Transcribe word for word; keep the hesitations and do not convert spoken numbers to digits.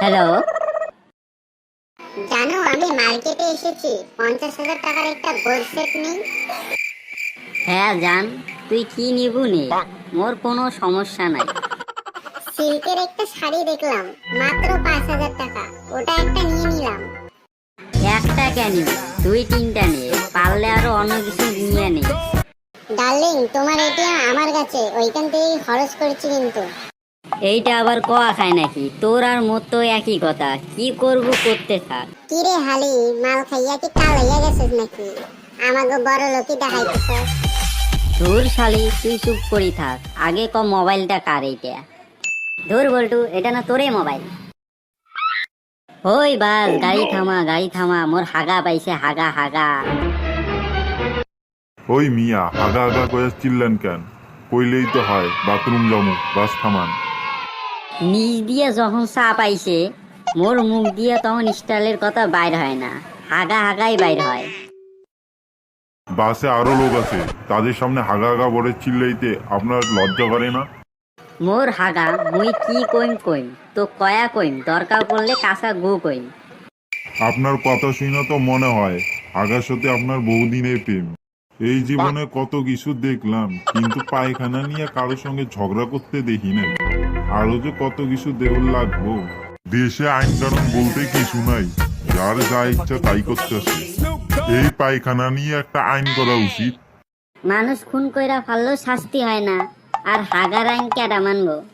Hello. জানো আমি মার্কেটে এসেছি, পঞ্চাশ হাজার টাকার একটা গোল সেট নেই? হ্যাঁ জান, তুই কি নিবু নে, মোর কোনো সমস্যা নাই। সিল্কের একটা শাড়ি দেখলাম, মাত্র পাঁচ হাজার টাকা, ওটা একটা নিয়ে নিলাম। একটা কেন, দুই তিনটা নে, পারলে আরো অন্য কিছু নিয়ে নে। ডার্লিং, তোমার এটিএম আমার কাছে, ওইখান থেকেই খরচ করেছি কিন্তু। এইটা আবার কোয়া খায় নাকি? তোর আর মোর তো একই কথা, কি করব করতে থাক। কিরে হালি, মাল খাইয়া কি কাল হইয়া গেছিস নাকি? আমাকে বড় লোকই দেখাইতেছ। ধুর শালি, তুই চুপ করি থাক, আগে ক মোবাইলটা কার এইটা। ধুর বল্টু, এটা না তোরে মোবাইল। ওই বাস, গাড়ি থামা গাড়ি থামা, মোর হাগা পাইছে, হাগা হাগা। ওই মিয়া, হাগা হাগা করে চিল্লেন কেন? কইলেই তো হয় বাথরুম জমু, বাস থামান। নিজ দিয়ে যখন চা পাইছে, মোর মুখ দিয়ে তখন স্টাইলের কথা বাইর হয় না, হাগা হাগাই বাইর হয়। বাসে আরো লোক আছে, তাদের সামনে হাগা হাগা বলে চিল্লাইতে আপনার লজ্জা করে না? মোর হাগা মুই কি কইম কইম, তো কয়া কইম, দরকার পড়লে কাঁচা গু কইম। আপনার কথা শুনে তো মনে হয় হাগার সাথে আপনার বহুদিনের প্রেম। এই জীবনে কত কিছু দেখলাম, কিন্তু পায়খানা নিয়ে কারোর সঙ্গে ঝগড়া করতে দেখি নাই। আরো যে কত কিছু দেউল লাগবো। দেশে আইন কানুন বলতে কিছু নাই, যার যা ইচ্ছা তাই করতেছে। এই পায়খানা নিয়ে একটা আইন করা উচিত। মানুষ খুন কইরা ফাললেও শাস্তি হয় না, আর হাগার আইন কেডা মানবো?